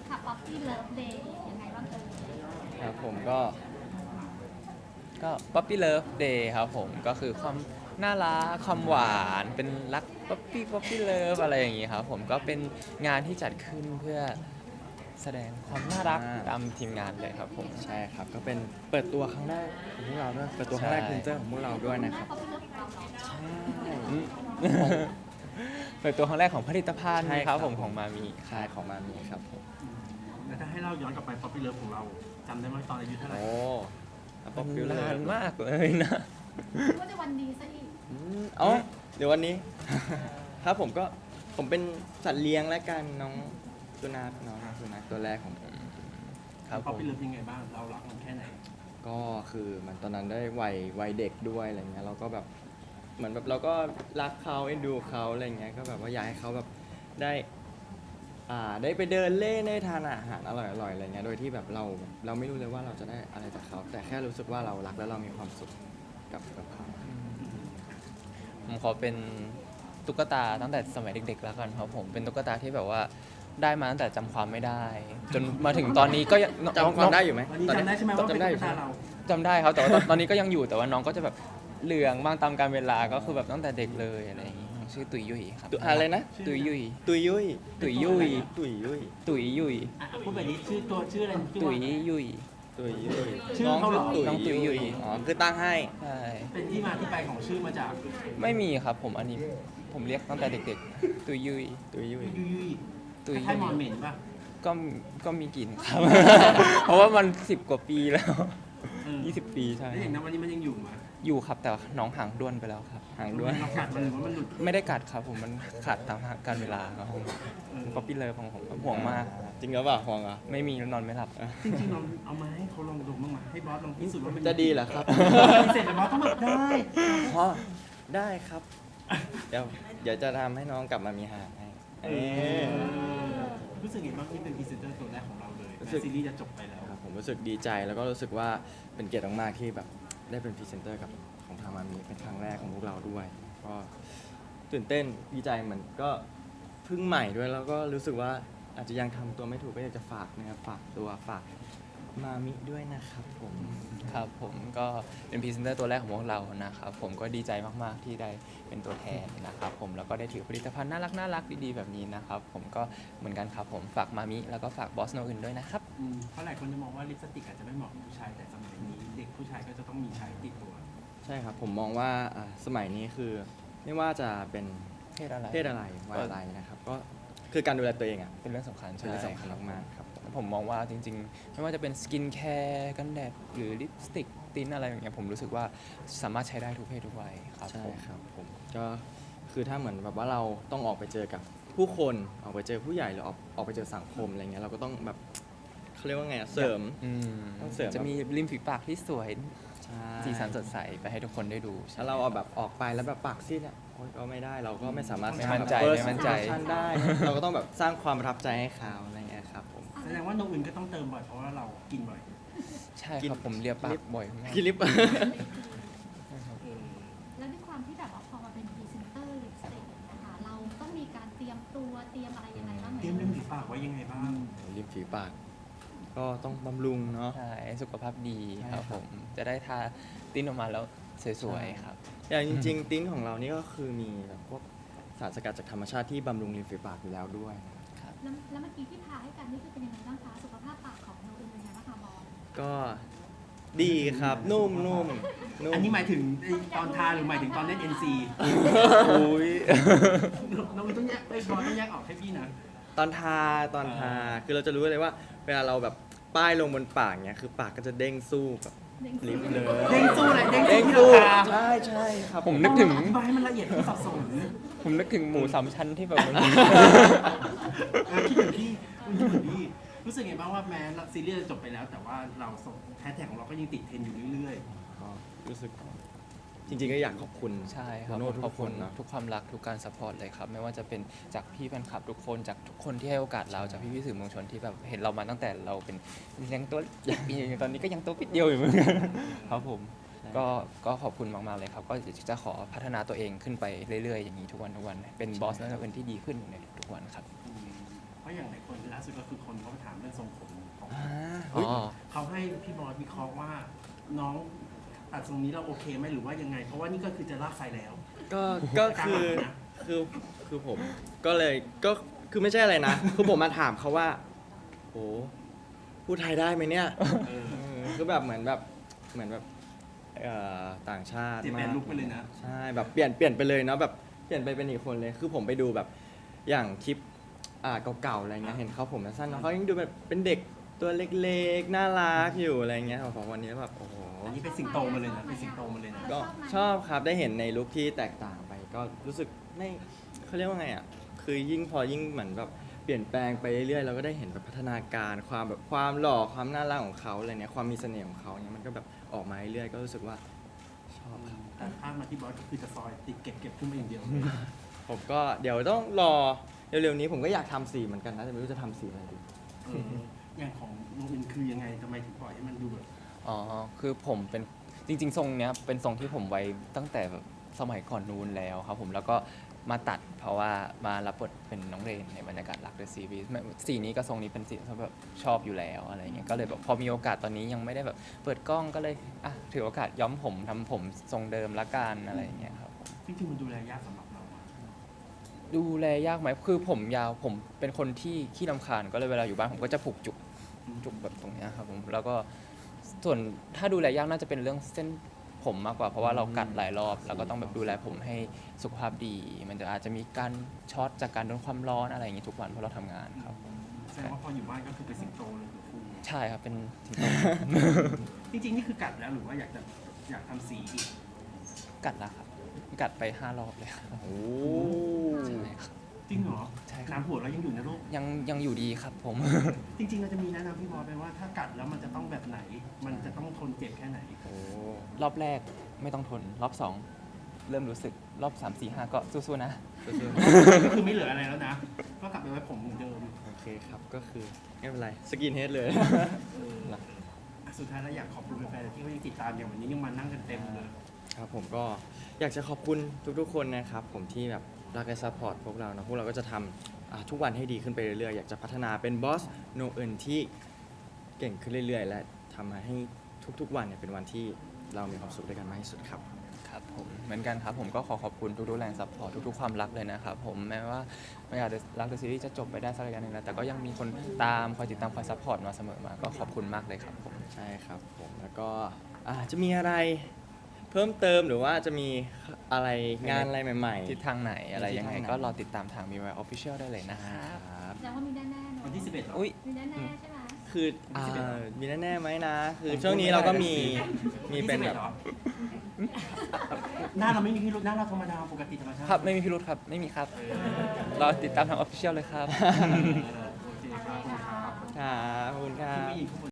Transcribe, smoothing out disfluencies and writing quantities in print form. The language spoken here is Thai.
ค่ะ Poppy Love Day ยังไงบ้างเอ่ยครับผมก็Puppy Love Day ครับผมก็คือความน่ารักความหวานเป็นรัก Puppy Love อะไรอย่างงี้ครับผมก็เป็นงานที่จัดขึ้นเพื่อแสดงความน่ารักตามทีมงานเลยครับผมใช่ครับก็เป็นเปิดตัวครั้งแรกของพวกเราด้วยเปิดตัวครั้งแรกพรีเซนเตอร์ของพวกเราด้วยนะครับ Poppy Love ของเราเนาะใช่เปิดตัวครั้งแรกของผลิตภัณฑ์ใช่คครัรับบ ผมของมามีใช่ของมามีครับผมแล้วถ้าให้เราย้อนกลับไป Poppy Love ของเราจำได้ไหมตอนอายุเท่าไหร่โอ้ป๊อปปี้เลนาย นมากเลยนะว่าจะวันดีซะอีกอ๋อเดี๋ยววันนี้ ครับผมเป็นสัตว์เลี้ยงและกันน้องสุนัขตัวแรกของผมครับผม Poppy Love ยังไงบ้างเรารักมันแค่ไหนก็คือมันตอนนั้นได้วัยเด็กด้วยอะไรเงี้ยเราก็แบบเหมือนแบบเราก็รักเขาเอ็นดูเขาอะไรเงี้ยก็แบบว่าอยากให้เขาแบบได้ไปเดินเล่นได้ทานอาหารอร่อยๆอะไรเงี้ยโดยที่แบบเราไม่รู้เลยว่าเราจะได้อะไรจากเขาแต่แค่รู้สึกว่าเรารักและเรามีความสุขกับเขาผมขอเป็นตุ๊กตาตั้งแต่สมัยเด็กๆแล้วกันครับผมเป็นตุ๊กตาที่แบบว่าได้มาตั้งแต่จำความไม่ได้ จนมาถึงตอนนี้ก็ยังจำความได้อยู่ไหมวันนี้จำได้ใช่ไหมว่าเป็นจำได้ตุ๊อก ยู่ตาใช่ไหมเราจำได้ครับแต่ว่าตอนนี้ก็ยังอยู่แต่ว่าน้องก็จะแบบเหลืองบ้างตามกาลเวลาก็คือแบบตั้งแต่เด็กเลยอะไรอย่างงี้ชื่อตุยยุยครับอะไรนะตุยยุยตุยยุยตุยยุยตุยยุยตุยยุยอ่ะพูดแบบนี้ชื่ออะไรชื่อตุว่ายยุยตุยยุยชื่อเขาเหรอน้องตุยยุยอ๋อคือตั้งให้ใช่เป็นที่มาที่ไปของชื่อมาจากไม่มีครับผมอันนี้ผมเรียกตั้งแต่เด็กๆตุยยุยตุยยุยยุยยุยตุยคล้ายๆมอนเหม็นป่ะก็มีกลิ่นครับ เพราะว่ามัน10 กว่าปีแล้วเออ 20 ปีใช่แล้วอย่างนั้นวันนี้มันยังอยู่ไหมอยู่ครับแต่ว่าน้องห่างด้วนไปแล้วครับห่างด้วยเรากัดมันหรือว่ามันหลุดไม่ได้กัดครับผมมันขาดตามการเวลาครับผมเออป๊อปปี้เลิฟของผมห่วงมากจริงหรือเปล่าห่วงเหรอไม่มีนอนไม่หลับจริงๆเราเอามาให้เขาลองดมบ้างไหมให้บอสลองพิสูจน์ว่ามันจะดีเหรอครับเสร็จแล้วบอสต้องแบบได้อ๋อได้ครับ เดี๋ยวจะทำให้น้องกลับมามีหางให้เอ้ยรู้สึกไงบ้างที่เป็นพรีเซนเตอร์ตัวแรกของเราเลยรู้สึกแม้ซีรีส์จะจบไปแล้วครับผมรู้สึกดีใจแล้วก็รู้สึกว่าเป็นเกียรติมากๆที่แบบได้เป็นพรีเซนเตอร์กับของทางมามีเป็นครั้งแรกของพวกเราด้วย ก็ตื่นเต้นดีใจเหมือนก็เพิ่งใหม่ด้วยแล้วก็รู้สึกว่าอาจจะยังทำตัวไม่ถูกก็อยากจะฝากนะครับฝากมามิด้วยนะครับผมครับผมก็เป็นพรีเซนเตอร์ตัวแรกของพวกเรานะครับผมก็ดีใจมากๆที่ได้เป็นตัวแทนนะครับผมแล้วก็ได้ถือผลิตภัณฑ์น่ารักดีๆแบบนี้นะครับผมก็เหมือนกันครับผมฝากมามิแล้วก็ฝากบอสโนอื่นด้วยนะครับเพราะหลายคนจะมองว่าลิปสติกอาจจะไม่เหมาะกับผู้ชายแต่สมัยนี้เด็กผู้ชายก็จะต้องมีใช้ติดตัวใช่ครับผมมองว่าสมัยนี้คือไม่ว่าจะเป็นเพศอะไรเพศอะไรวัยอะไรนะครับก็คือการดูแลตัวเองอ่ะเป็นเรื่องสำคัญเป็นเรื่องสำคัญใช่มากๆครับผมผมมองว่าจริงๆ ไม่ว่าจะเป็นสกินแคร์กันแดดหรือลิปสติกติ้นอะไรอย่างเงี้ยผมรู้สึกว่าสามารถใช้ได้ทุกเพศทุกวัยครับใช่ผมครับผมก็คือถ้าเหมือนแบบว่าเราต้องออกไปเจอกับผู้คนออกไปเจอผู้ใหญ่หรือออกไปเจอสังคมอะไรเงี้ยเราก็ต้องแบบเขาเรียกว่าไงอะเสริมอืมต้องเสริมจะมีริมฝีปากที่สวยใช่สีสันสดใสไปให้ทุกคนได้ดูถ้าเราเอาแบบออกไปแล้วแบบปากซีดอ่ะโอ๊ยก็ไม่ได้เราก็ไม่สามารถไม่มั่นใจสร้างไม่มั่นใจ first impression ได้ เราก็ต้องแบบสร้างความประทับใจให้เขาอะไรเงี้ยครับผมแสดงว่าโนอื่นก็ต้องเติมบ่อยเพราะว่าเรากินบ่อยใช่กิครับนผมเรียบปากบ่อยมากคลิปแล้วด้วยความที่แบบว่าพอมาเป็นพรีเซนเตอร์ลิปสติกนะคะเราต้องมีการเตรียมตัวเตรียมอะไรยังไงบ้างไหมเตรียมริมฝีปากไว้ยังไงบ้างริมฝีปากก็ต้องบำรุงเนาะใช่สุขภาพดีใช่คครัรับบ ผมจะได้ทาติ้นออกมาแล้วสวยๆครับอย่างจริงๆติ้นของเรานี่ก็คือมีแบบพวกสารสกัดจากธรรมชาติที่บำรุงริมฝีปากอยู่แล้วด้วยแล้วเมื่อกี้ที่พาให้กันนี่คือเป็นยังไงบ้างคะสุขภาพปากของเราเป็นยังไงบ้างคะบอลก็ดีครับนุ่มอันนี้หมายถึงตอนทาหรือหมายถึงตอนเล่น NC อุ้ยน้องอื่นต้องแยกบอสต้องแยกออกให้พี่นะตอนทาคือเราจะรู้เลยว่า เวลาเราแบบป้ายลงบนปากเนี้ยคือปากก็จะเด้งสู้กับลิปเลยเด้งสู้อะไรเด้งเด้งสู้สู้ที่ราคาใช่ครับผมนึกถึงอธิบายให้มันละเอียดที่สับสนผมนึกถึงหมูสามชั้นที่แบบมันคิดเหมือนพี่คิดเหมือนพี่รู้สึกไงบ้างว่าแม้ซีรีส์จะจบไปแล้ว แต่ว่าเราส่งแฮชแท็กของเราก็ยังติดเทรนด์อยู่เรื่อยก็รู้สึกจริงๆก็อยากขอบคุณใช่ครับโน้ตขอบทุกคุคณนเนาะทุกความรักทุกการสปอร์ตเลยครับ ไม่ว่าจะเป็นจากพี่แฟนคลับทุกคนจากทุกคนที่ให้โอกาสเราจากพี่ๆสื่อมวลชนที่แบบเห็นเรามาตั้งแต่เราเป็นยังตัวตอนนี้ก็ยังตัวปิดเดียวอยู่เหมือนกันครับผมก็ขอบคุณมากๆเลยครับ ก็จะขอพัฒนาตัวเองขึ้นไปเรื่อยๆอย่างนี้ทุกวันเป็นบอสนักเรียนที่ดีขึ้นในทุกๆวันครับๆพอราะอย่างหลายคนล่าสุดก็คือคนเขามาถามเรื่องทรงผมของอ๋อเขาให้พี่บอสวิเคราะห์ว่าน้องตัดทรงนี้เราโอเคไหมหรือว่ายังไง เพราะว่านี่ก็คือจะลากไฟแล้วก็คือผมก็เลยก็คือไม่ใช่อะไรนะ คือผมมาถามเขาว่าโหพูดไทยได้ไหมเนี่ยเออคือแบบเหมือนแบบต่างชาติเปลี่ยนแปลงลุคไปเลยนะใช่แบบเปลี่ยนไปเลยเนาะแบบเปลี่ยนไปเป็นอีกคนเลย คือผมไปดูแบบอย่างคลิปเก่าๆอะไรเงี้ยเห็นเขาผมสั้นๆเนอะเขายังดูแบบเป็นเด็กตัวเล็กๆน่ารักอยู่อะไรเงี้ยพอวันนี้แบบโอ้โหอันนี้เป็นสิงโตมาเลยนะเป็นสิงโตมาเลยนะก็ชอบครับได้เห็นในลุคที่แตกต่างไป ก็รู้สึกไม่เขาเรียกว่าไงอ่ะคือยิ่งเหมือนแบบเปลี่ยนแปลงไปเรื่อยๆเราก็ได้เห็นแบบพัฒนาการความหล่อความน่ารักของเขาอะไรเนี่ยความมีเสน่ห์ของเขาเนี่ยมันก็แบบออกมาเรื่อยๆก็รู้สึกว่าชอบครับแต่ภาพมาที่บอสก็คือจะซอยติดเก็บขึ้นมาอย่างเดียวเลยผมก็เดี๋ยวต้องรอเร็วๆนี้ผมก็อยากทำสีเหมือนกันนะแต่ไม่รู้จะทำสีอะไรดีเอออย่างของน้องอินคือยังไงทำไมถึงปล่อยให้มันดูแบบอ๋อ คือผมเป็นจริง ๆ ทรงเนี้ยเป็นทรงที่ผมไว้ตั้งแต่แบบสมัยก่อนนู้นแล้วครับผมแล้วก็มาตัดเพราะว่ามารับบทเป็นน้องเรนในบรรยากาศรักเดอะซีรีส์สีนี้กับทรงนี้เป็นสีที่แบบชอบอยู่แล้วอะไรเงี้ยก็เลยแบบพอมีโอกาสตอนนี้ยังไม่ได้แบบเปิดกล้องก็เลยอ่ะถือโอกาสย้อมผมทำผมทรงเดิมละกันอะไรอย่างเงี้ยครับผมจริงๆมันดูแลยากสำหรับเราอะดูแลยากไหมคือผมยาวผมเป็นคนที่ขี้รำคาญก็เลยเวลาอยู่บ้านผมก็จะผูกจุกแบบตรงเนี้ยครับผมแล้วก็ส่วนถ้าดูแลยากน่าจะเป็นเรื่องเส้นผมมากกว่าเพราะว่าเรากัดหลายรอบแล้วก็ต้องแบบดูแลผมให้สุขภาพดี มันจะอาจจะมีการช็อตจากการโดนความร้อนอะไรอย่างงี้ทุกวันเพราะเราทำงานครับผมแสดงว่าพออยู่บ้านก็คือเป็นสิงโตเลยคือคู่ใช่ครับเป็นสิงโตจริงๆนี่คือกัดแล้วหรือว่าอยากทำสีอีกกัดแล้วครับกัดไป5 รอบเลยครับโอ้ใช่ครับจริงเหรอใช่ครับน้ำหัวเรายังอยู่นะลูกยังอยู่ดีครับผมจริงๆเราจะมีแนะนำพี่บอสไปว่าถ้ากัดแล้วมันจะต้องแบบไหน มันจะต้องทนเจ็บแค่ไหนโหรอบแรกไม่ต้องทนรอบ2เริ่มรู้สึกรอบ3 4 5ก็สู้ๆนะก็คือไม่เหลืออะไรแล้วนะ ก็กลับไปไว้ผมเหมือนเดิมโอเคครับก็คือไม่เป็นไรสกินเฮดเลยอ่ะสุดท้ายแล้วอยากขอบคุณแฟนๆที่เขายังติดตามอย่างวันนี้ยังมานั่งกันเต็มเลยครับผมก็อยากจะขอบคุณทุกๆคนนะครับผมที่แบบรักและซัพพอร์ตพวกเรานะพวกเราก็จะทำทุกวันให้ดีขึ้นไปเรื่อยๆอยากจะพัฒนาเป็นบอสโนเอินที่เก่งขึ้นเรื่อยๆ และทำให้ทุกๆวันเนี่ยเป็นวันที่เรามีความสุขด้วยกันมากที่สุดครับครับผมเหมือนกันครับผมก็ขอบคุณทุกๆแรงซัพพอร์ตทุกๆความรักเลยนะครับผมแม้ว่าไม่อาจจะรักเดอะซีรีส์จะจบไปได้สักระยะหนึ่งแล้วแต่ก็ยังมีคนตามคอยติดตามคอยซัพพอร์ตมาเสมอมาก็ขอบคุณมากเลยครับผมใช่ครับผมแล้วก็จะมีอะไรเพิ่มเติมหรือว่าจะมีอะไรงานอะไรใหม่ๆทิศทางไหนอะไรยังไงทิศทางไหนก็รอติดตามทาง BY Official ได้เลยนะครับครับแสดงว่ามีแน่ๆเนอะวันที่ 11เหรออุ้ยมีแน่ๆใช่ไหมคือมีแน่ๆไหมนะ คือช่วงนี้เราก็มีเป็นแบบหรอหน้าเราไม่มีพิรุธหน้าเราธรรมดาปกติธรรมชาติครับไม่มีพิรุธครับไม่มีครับรอติดตามทาง Official เลยครับโอเคครับขอบคุณครับครับขอบคุณครัที่บไม่ยินข้างบน